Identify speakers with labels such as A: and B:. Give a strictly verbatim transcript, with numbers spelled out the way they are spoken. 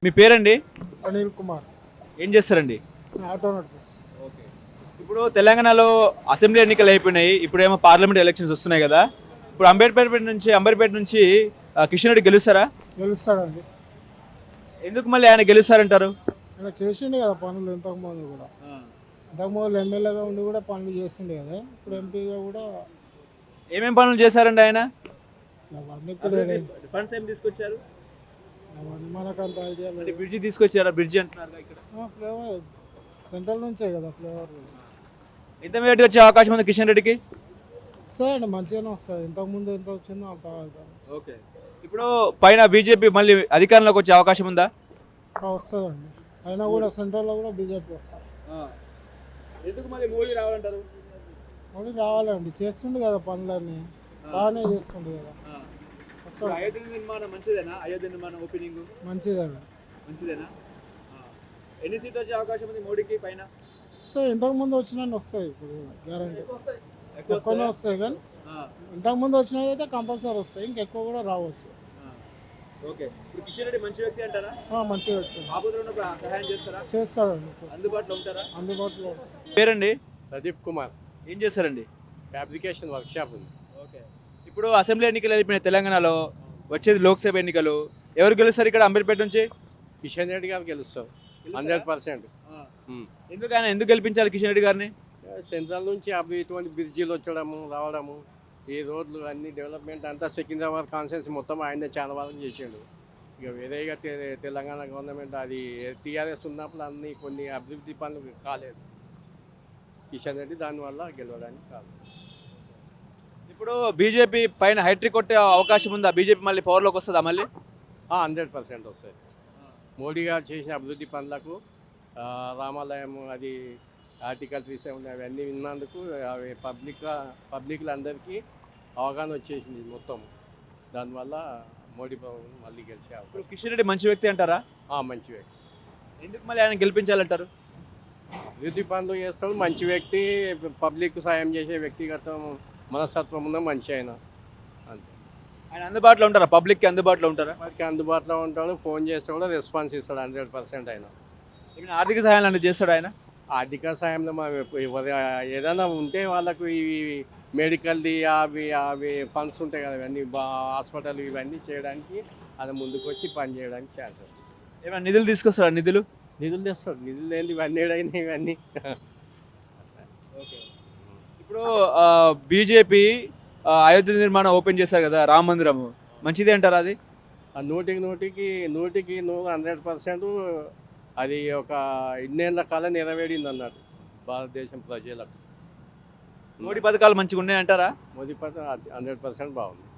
A: మీ పేరండి?
B: అనిల్ కుమార్.
A: ఏం చేస్తారండి?
B: ఆటో నడిపిస్తాను.
A: ఓకే. ఇప్పుడు తెలంగాణలో అసెంబ్లీ ఎన్నికలు అయిపోయినాయి. ఇప్పుడేమో పార్లమెంట్ ఎలక్షన్స్ వస్తున్నాయి కదా. ఇప్పుడు అంబేద్కర్పేట నుంచి అంబర్పేట నుంచి ఆ, కిషన్ రెడ్డి గెలుస్తారా?
B: గెలుస్తాడండి.
A: ఎందుకు మళ్ళీ ఆయన గెలుస్తారంటారు?
B: ఆయన చేసిండే కదా పనులు ఇంతకుముందు కూడా. ఇంతకుముందు ఎమ్మెల్యేగా ఉండి కూడా పనులు చేసిండే కదా. ఇప్పుడు ఎంపీగా కూడా
A: ఏమేం పనులు చేశారండి ఆయన?
B: అవన్నీ ఇప్పుడు
A: ఫండ్స్ ఏం తీసుకొచ్చారు?
B: అవన్నీ మనకు అంత ఐడియా
A: అంటే
B: లేదు.
A: బ్రిడ్జి తీసుకొచ్చారా? బ్రిడ్జి అంటున్నారు ఇక్కడ.
B: ఫ్లేవర్ సెంట్రల్ నుంచే కదా ఫ్లేవర్.
A: ఎంత మేటి వచ్చే అవకాశం ఉంది కిషన్ రెడ్డికి?
B: వస్తాయండి, మంచిగానే వస్తుంది. ఇంతకుముందు ఎంత వచ్చిందో అంత
A: ఓకే. ఇప్పుడు పైన బీజేపీ మళ్ళీ అధికారంలోకి వచ్చే అవకాశం ఉందా?
B: వస్తుందండి. అయినా కూడా సెంట్రల్లో కూడా బీజేపీ వస్తుంది.
A: ఎందుకు మళ్ళీ మోడీ రావాలంటారు?
B: మళ్ళీ రావాలండి, చేస్తుండే కదా పనులన్నీ, బాగానే చేస్తుండే కదా. వస్తాడు.
A: అయోధ్య నిర్మాణం మంచిదేనా? అయోధ్య నిర్మాణం ఓపెనింగ్
B: మంచిదండి.
A: మంచిదేనా? ఎన్ని సీట్లు వచ్చే అవకాశం ఉంది మోడీకి పైన?
B: సో ఇంతకు ముందు వచ్చినా వస్తాయి, ఇప్పుడు గ్యారంటీ ఎక్కువనే వస్తాయి. కానీ ఇంతకు ముందు వచ్చినట్టయితే కంపల్సరీ వస్తాయి, ఇంకెక్కువ కూడా రావచ్చు.
A: ఓకే. ఇప్పుడు కిషన్ రెడ్డి మంచి వ్యక్తి అంటారా?
B: మంచిగా పెట్టుకుంటాం.
A: ఆపదలో ఉన్నప్పుడు సహాయం చేస్తారా?
B: చేస్తాడండి,
A: అందుబాటులో ఉంటారా?
B: అందుబాటులో.
A: పేరండి?
C: ప్రదీప్ కుమార్.
A: ఏం చేస్తారండి?
C: ఫ్యాబ్రికేషన్ వర్క్ షాప్ ఉంది.
A: ఓకే. ఇప్పుడు అసెంబ్లీ ఎన్నికలు అయిపోయిన తెలంగాణలో వచ్చేది లోక్సభ ఎన్నికలు. ఎవరు గెలుస్తారు ఇక్కడ అంబేద్పేట నుంచి?
C: కిషన్ రెడ్డి గారు గెలుస్తారు హండ్రెడ్ పర్సెంట్.
A: ఎందుకు ఆయన ఎందుకు గెలిపించాలి కిషన్ రెడ్డి గారిని?
C: సెంట్రల్ నుంచి అవి ఇటువంటి బ్రిడ్జీలు వచ్చడము రావడము, ఈ రోడ్లు అన్ని డెవలప్మెంట్ అంతా సికింద్రాబాద్ కాన్స్టిట్యున్సీ మొత్తం ఆయనే చాలా వరకు చేసాడు. ఇక వేరేగా తె- తెలంగాణ గవర్నమెంట్ అది టీఆర్ఎస్ ఉన్నప్పుడు అన్ని కొన్ని అభివృద్ధి పనులు కాలేదు. కిషన్ రెడ్డి దానివల్ల గెలవడానికి కాదు.
A: ఇప్పుడు బీజేపీ పైన హైట్రిక్ కొట్టే అవకాశం ఉందా? బీజేపీ మళ్ళీ పవర్లోకి వస్తుందా మళ్ళీ?
C: హండ్రెడ్ పర్సెంట్ వస్తాయి. మోడీ గారు చేసిన అభివృద్ధి పనులకు, ఆ, రామాలయం అది ఆర్టికల్ త్రీ సెవెన్ అవన్నీ విన్నందుకు అవి పబ్లిక్ పబ్లిక్లందరికీ అవగాహన వచ్చేసింది మొత్తం. దానివల్ల మోడీ ప్రభుత్వం మళ్ళీ గెలిచే
A: ఇప్పుడు
C: అవకాశం.
A: కిషన్ రెడ్డి మంచి వ్యక్తి అంటారా?
C: ఆ, మంచి వ్యక్తి.
A: ఎందుకు మళ్ళీ ఆయన గెలిపించాలంటారు?
C: అభివృద్ధి పనులు చేస్తాడు, మంచి వ్యక్తి, పబ్లిక్ సాయం చేసే వ్యక్తిగత మనస్తత్వం ఉన్న మంచి ఆయన. అంతే.
A: ఆయన అందుబాటులో ఉంటారా? పబ్లిక్కి అందుబాటులో ఉంటారా?
C: వారికి అందుబాటులో ఉంటాడు, ఫోన్ చేస్తే కూడా రెస్పాన్స్ ఇస్తాడు హండ్రెడ్ పర్సెంట్ ఆయన.
A: ఏమైనా ఆర్థిక సహాయాలు అనేది చేస్తాడు ఆయన?
C: ఆర్థిక సాయంలో మనం ఎప్పు- ఎవరు ఏదైనా ఉంటే వాళ్ళకు ఇవి మెడికల్ది అవి అవి ఫండ్స్ ఉంటాయి కదా, ఇవన్నీ బా హాస్పిటల్ ఇవన్నీ చేయడానికి అది ముందుకు వచ్చి పని చేయడానికి ఛాన్సెస్.
A: ఏమైనా నిధులు తీసుకొస్తాడా? నిధులు
C: నిధులు తెస్తాడు, నిధులు లేని ఇవన్నీ ఏడైనా ఇవన్నీ.
A: ఇప్పుడు బీజేపీ అయోధ్య నిర్మాణం ఓపెన్ చేశారు కదా, రామ మందిరం మంచిదే అంటారా అది?
C: ఆ నూటికి నూటికి నూటికి నూరు హండ్రెడ్ పర్సెంట్ అది ఒక ఇన్నేళ్ల కాలం నెరవేరింది అన్నారు భారతదేశం ప్రజలకు.
A: మోడీ పథకాలు మంచిగా ఉన్నాయి అంటారా?
C: మోదీ పథకం హండ్రెడ్ పర్సెంట్ బాగుంది.